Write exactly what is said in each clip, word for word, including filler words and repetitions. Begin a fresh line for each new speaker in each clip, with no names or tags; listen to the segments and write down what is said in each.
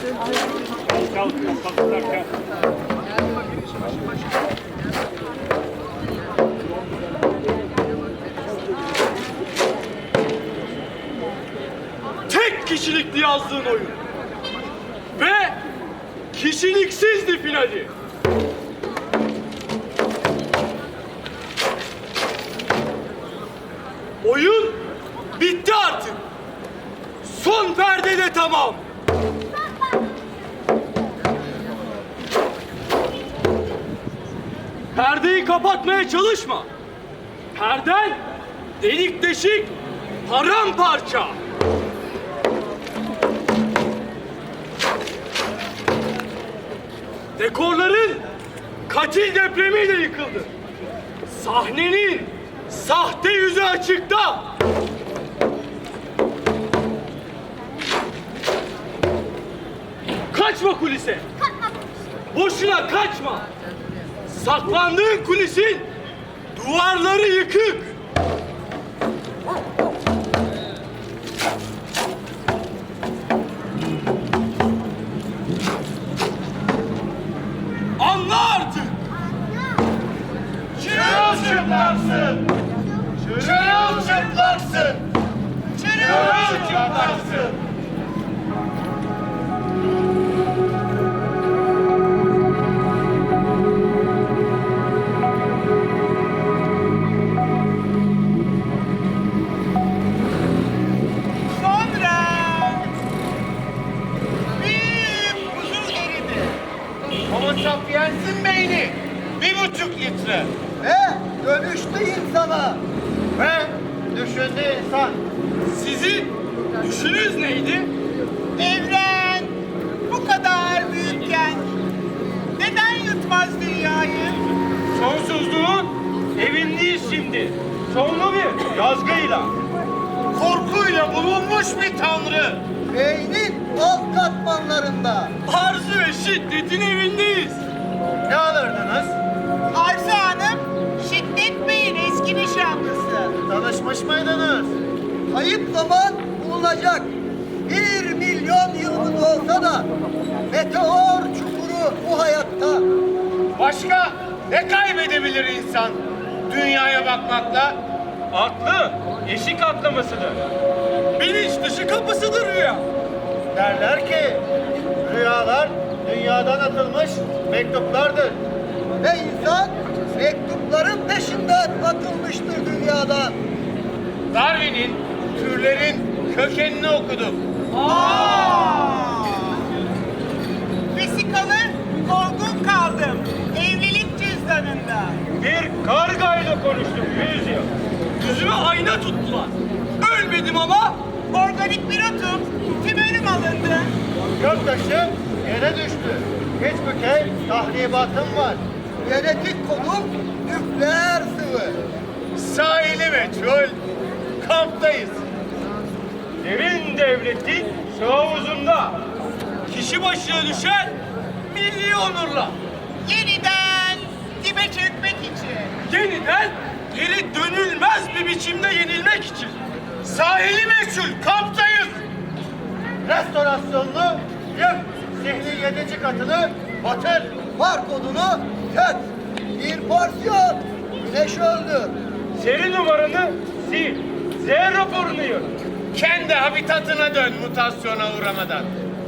Tek kişilikli yazdığın oyun. Ve kişiliksizdi finali. Oyun bitti artık. Son perde de tamam. Perdeyi kapatmaya çalışma. Perden delik deşik, paramparça. Dekorların katil depremiyle yıkıldı. Sahnenin sahte yüzü açıkta. Kaçma kulise. Boşuna kaçma. Saklandığın kulisin duvarları yıkık. Anla artık.
Çırılçıplaksın. Çırılçıplaksın. Çırılçıplaksın. Homo sapiens'in beyni bir buçuk litre.
Ve dönüştü insana.
Ve düşündü insan.
Sizin düşünüz neydi?
Evren bu kadar büyükken neden yutmaz dünyayı?
Sonsuzluğun evindeyiz şimdi. Sonlu bir yazgıyla.
Korkuyla bulunmuş bir tanrı.
Beynin alt katmanlarında.
Arzu ve şiddetin evindeyiz.
Ne alırdınız?
Arzu Hanım, Şiddet Bey'in eski nişanlısı.
Tanışmış mıydınız?
Kayıp zaman bulunacak. Bir milyon yıllık olsa da meteor çukuru bu hayatta.
Başka ne kaybedebilir insan dünyaya bakmakla?
Aklı eşik atlamasıdır. Bilinç dışı kapısıdır rüya.
Derler ki rüyalar dünyadan atılmış mektuplardır.
Ve insan mektupların peşinden atılmıştır dünyadan.
Darwin'in türlerin kökenini okuduk.
Vesikalı olgun kaldım evlilik cüzdanında.
Bir kargayla konuştum yüz yıl. Yüzüme ayna tuttular. Ölmedim ama
Organik bir otum, tümörüm alındı.
Göktaşı yere düştü. Hiç bükey tahribatım var.
Genetik kodum nükleer sıvı.
Sahili meçhul. Kamptayız.
derin devletin su havuzunda. Kişi başına düşen milli onurla.
Yeniden dibe çökmek için.
Yeniden geri dönülmez bir biçimde yenilmek için.
Sahili meçhul. Kamptayız. Restorasyonlu yık. Zihni yedinci katını batır.
Var kodunu tet. Bir porsiyon güneş öldür.
Seri numaranı sil. Z raporunu yaz.
Kendi habitatına dön mutasyona uğramadan.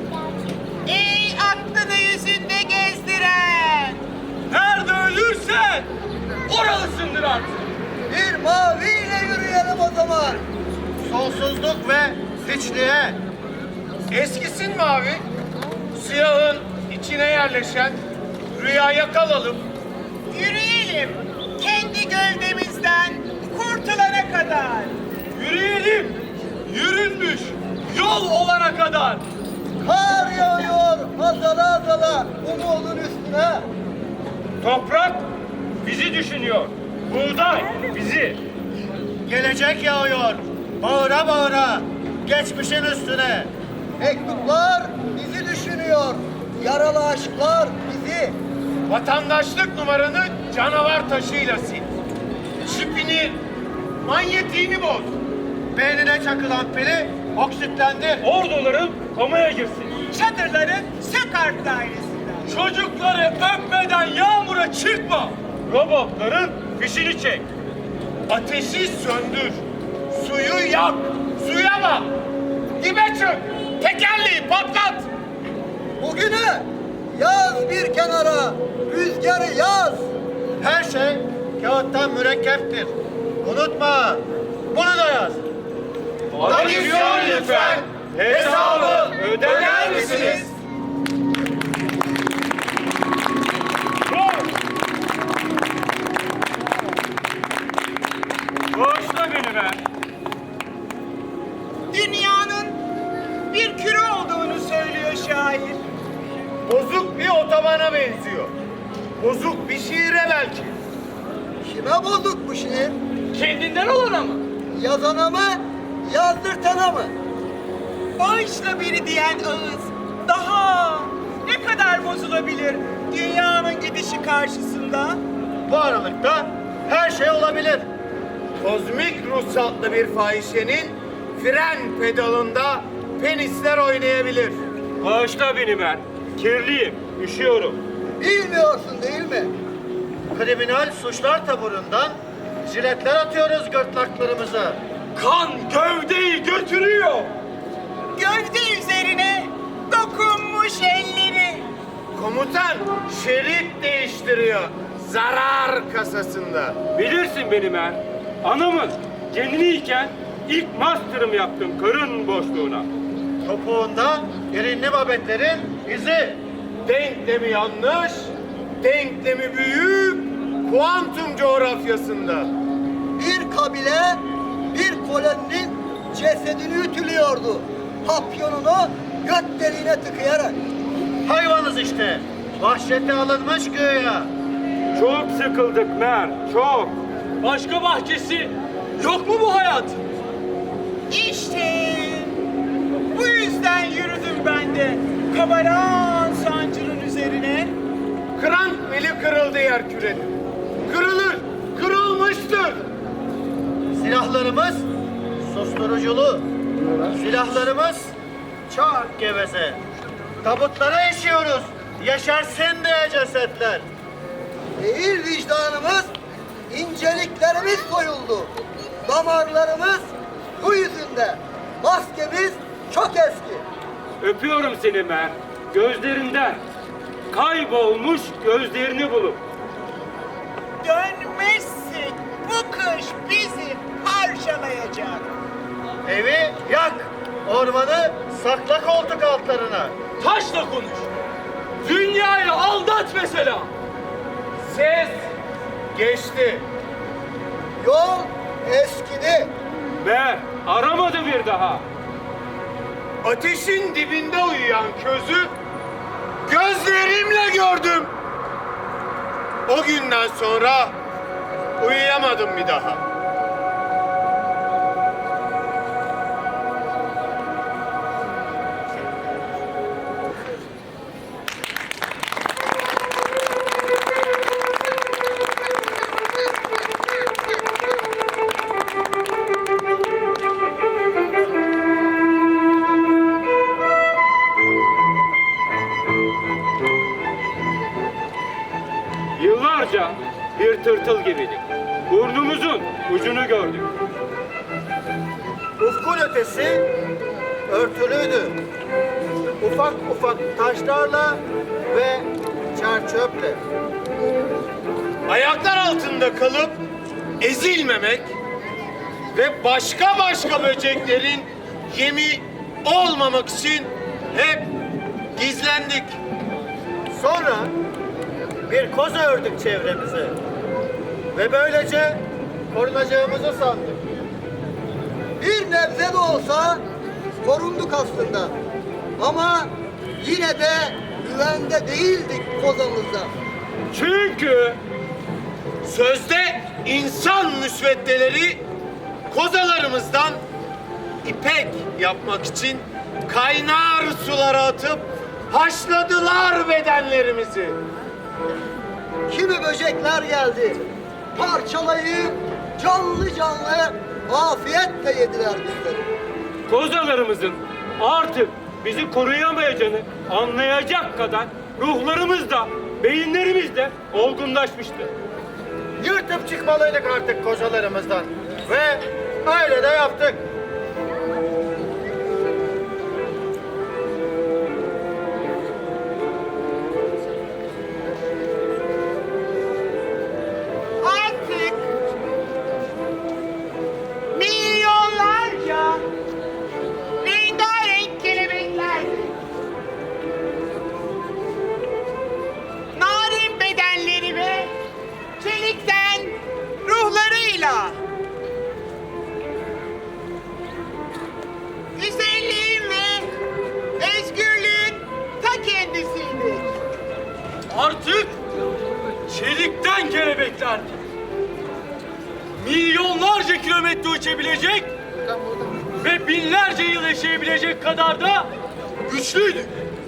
Ey aklını yüzünde gezdiren.
Nerede ölürsen oralısındır artık.
Bir maviyle yürüyelim o zaman.
Sonsuzluk ve hiçliğe. Eskisin mavi. Siyahın içine yerleşen rüyaya kalalım.
Yürüyelim kendi gövdemizden kurtulana kadar.
Yürüyelim. Yürünmüş yol olana kadar.
Kar yağıyor azala azala umudun üstüne.
Toprak bizi düşünüyor. Buğday bizi.
Gelecek yağıyor. Bağıra bağıra. Geçmişin üstüne.
Mektuplar bizi düşünüyor. Yaralı aşklar bizi.
Vatandaşlık numaranı canavar taşıyla sil. Çipini, manyetiğini boz. Beynine çakılan pili oksitlendir.
Orduların komaya girsin.
çadırları Sökart dairesinden.
Çocukları öpmeden yağmura çıkma. Robotların fişini çek.
Ateşi söndür. Suyu yak. Suya bak. Dibe çök. Tekerleği patlat.
Bugünü yaz bir kenara, rüzgarı yaz. Her şey kağıttan mürekkeptir. Unutma, bunu da yaz.
Adisyon lütfen. Hesabı öder misiniz?
Bağışla beni be.
Dünyanın bir küre olduğunu söylüyor şair.
Bozuk bir otobana benziyor. Bozuk bir şiire belki.
Kime bozuk bu şiir?
Kendinden olana mı?
Yazana mı, yazdırtana mı?
Bağışla biri diyen ağız daha ne kadar bozulabilir dünyanın gidişi karşısında?
Bu aralıkta her şey olabilir.
Kozmik ruhsatlı bir fahişenin fren pedalında penisler oynayabilir.
Bağışla beni ben. Kirliyim, üşüyorum.
Bilmiyorsun değil mi? Kriminal suçlar taburundan jiletler atıyoruz gırtlaklarımıza.
Kan gövdeyi götürüyor.
Gövde üzerine dokunmuş elleri.
Komutan şerit değiştiriyor zarar kasasında.
Bilirsin beni ben. Anamın kendiniyken ilk master'ım yaptım karın boşluğuna.
Topuğunda erinli babetlerin izi.
Denklemi yanlış, denklemi büyük, kuantum coğrafyasında.
Bir kabile bir koloninin cesedini ütülüyordu. Papyonunu göt deliğine tıkayarak. Hayvanız işte. Vahşete alınmış göğe.
Çok sıkıldık Mer, çok. Başka bahçesi yok mu bu hayat?
İşte bu yüzden yürüdüm ben de kabaran sancının üzerine.
Krank beli kırıldı yer kürenin. Kırılır, kırılmıştır.
Silahlarımız susturuculu. Silahlarımız çok geveze. Tabutlara işiyoruz. Yaşarsın diye cesetler. Değil vicdanımız, inceliklerimiz soyuldu. Damarlarımız bu yüzünde. Maskemiz çok eski.
Öpüyorum seni Mer, gözlerinden. Kaybolmuş gözlerini bulup.
Dönmezsek bu kış bizi parçalayacak.
Evi yak, ormanı sakla koltuk altlarına.
Taşla konuş. Dünyayı aldat mesela.
Ses geçti.
Yol eskidi.
Mer, aramadı bir daha.
Ateşin dibinde uyuyan közü gözlerimle gördüm. O günden sonra uyuyamadım bir daha.
Yıllarca bir tırtıl gibiydik. Burnumuzun ucunu gördük.
Ufkun ötesi örtülüydü. Ufak ufak taşlarla ve çerçöple.
Ayaklar altında kalıp ezilmemek ve başka başka böceklerin yemi olmamak için hep gizlendik.
Sonra bir koza ördük çevremize. Ve böylece korunacağımızı sandık. Bir nebze de olsa korunduk aslında. Ama yine de güvende değildik kozamızda.
Çünkü
Sözde insan müsveddeleri kozalarımızdan ipek yapmak için kaynar sulara atıp haşladılar bedenlerimizi.
Kimi böcekler geldi. Parçalayıp canlı canlı afiyetle yediler bizleri.
kozalarımızın artık bizi koruyamayacağını anlayacak kadar ruhlarımız da, beyinlerimiz de olgunlaşmıştı.
Yırtıp çıkmalıydık artık kocalarımızdan. Ve öyle de yaptık.
Artık milyonlarca rengarenk kelebekler narin bedenleri ve çelikten ruhlarıyla güzelliğin ve özgürlüğün ta kendisiydi.
Artık çelikten kelebekler milyonlarca kilometre uçabilecek ve binlerce yıl yaşayabilecek kadar da güçlüydük.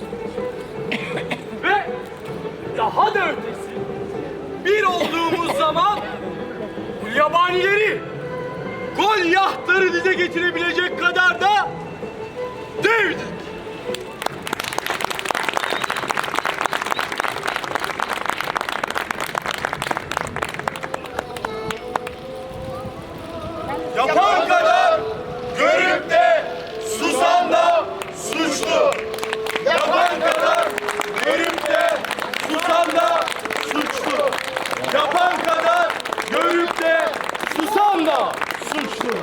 Ve daha da ötesi, bir olduğumuz zaman bu yabanileri Goliath'ları dize getirebilecek kadar da devdik.
Yapan kadar görüp de susan da suçlu. Yapan kadar görüp de susan da suçlu. Yapan kadar görüp de susan da suçlu.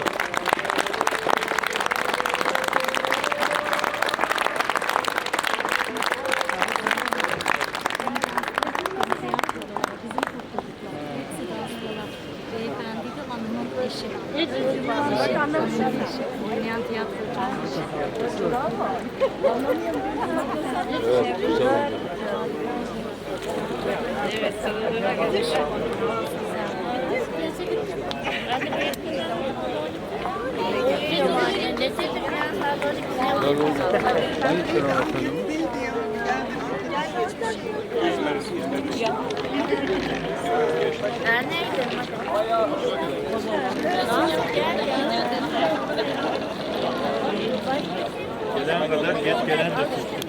Beyefendi de hanımın eşi. Eşi, hanımın eşi. Oynayan tiyatrocu. Evet, sıralara gelmiş.
Gelen kadar geç gelen de suçlu.